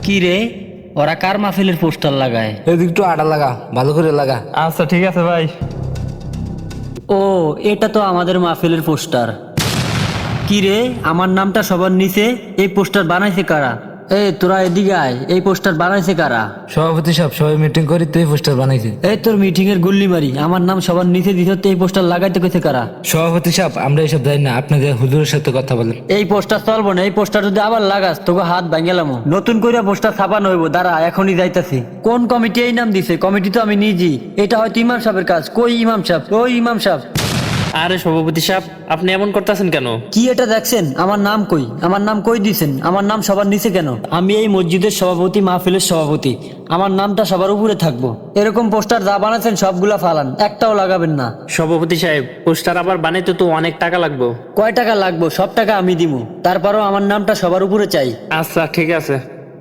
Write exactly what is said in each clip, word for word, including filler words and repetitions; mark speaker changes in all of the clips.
Speaker 1: কি রে, ওরা কার মাহফিলের পোস্টার লাগায়?
Speaker 2: এদিক একটু আটা লাগা, ভালো করে লাগা।
Speaker 3: আচ্ছা ঠিক আছে ভাই।
Speaker 1: ও, এটা তো আমাদের মাহফিলের পোস্টার। কি রে, আমার নামটা সবার নিচে, এই পোস্টার বানাইছে কারা? এ তোরা এদিকে আয়, এই পোস্টার বানাইছে কারা?
Speaker 2: সভাপতি সাহেব, সবাই মিটিং করি তুই পোস্টার বানাইছি।
Speaker 1: এই তোর মিটিং এর গুল্লি মারি, আমার নাম সবার নিচে দিতে এই পোস্টার লাগাইতে কইছে কারা?
Speaker 2: সভাপতি সাহেব, আমরা এসব জানি না, আপনাদের হুজুরের সাথে কথা বলেন।
Speaker 1: এই পোস্টার চলবো না, এই পোস্টার যদি আবার লাগাস তোকে হাত ভাঙ্গেলাম। নতুন করে পোস্টার ছাপানো হইব, দাঁড়া এখনই যাইতাছি। কোন কমিটি এই নাম দিছে? কমিটি তো আমি নিজেই। এটা হয়তো ইমাম সাহেবের কাজ। কই ইমাম সাহেব? ওই ইমাম সাহেব।
Speaker 3: আরে সভাপতি সাহেব, আপনি এমন করতেছেন কেন?
Speaker 1: কি এটা দেখছেন? আমার নাম কই? আমার নাম কই দিছেন? আমার নাম সবার নিচে কেন? আমি এই মসজিদের সভাপতি, মাহফিলের সভাপতি, আমার নামটা সবার উপরে থাকবো। এরকম পোস্টার যা বানাচ্ছেন সবগুলা ফালান, একটাও লাগাবেন না।
Speaker 3: সভাপতি সাহেব, পোস্টার আবার বানাইতে তো অনেক টাকা লাগবে।
Speaker 1: কয় টাকা লাগবো? সব টাকা আমি দিমু, তারপরও আমার নামটা সবার উপরে চাই।
Speaker 3: আচ্ছা ঠিক আছে।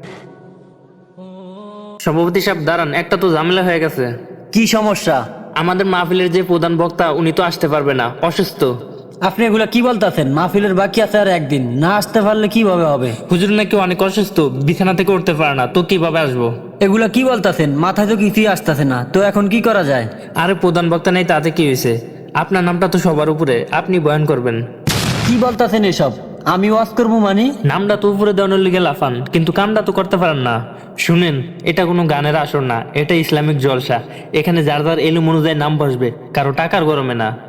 Speaker 3: সভাপতি সাহেব দাঁড়ান, একটা তো ঝামেলা হয়ে গেছে।
Speaker 1: কি সমস্যা?
Speaker 3: আমাদের মাহফিলের যে প্রধান বক্তা উনি তো আসতে পারবে না, অসুস্থ।
Speaker 1: আপনি এগুলা কি বলতেছেন? মাহফিলের বাকি আছে আর একদিন, না আসতে পারলে কিভাবে হবে?
Speaker 3: হুজুর নাকি অনেক অসুস্থ, বিছানা থেকে উঠতে পারে না, তো কিভাবে আসবো?
Speaker 1: এগুলা কি বলতেছেন? মাথায় তো কিছুই আসতেছে না, তো এখন কি করা যায়?
Speaker 3: আরে প্রধান বক্তা নেই তাতে কি হয়েছে? আপনার নামটা তো সবার উপরে, আপনি বয়ান করবেন।
Speaker 1: কি বলতেছেন এসব? আমি ওয়াজ করবো মানে?
Speaker 3: নামটা তো উপরে দেওয়ানোর লিগে লাফান, কিন্তু কামটা তো করতে পারেন না। শুনেন, এটা কোনো গানের আসর না, এটা ইসলামিক জলসা। এখানে যার যার এলুম অনুযায়ী নাম বসবে, কারো টাকার গরমে না।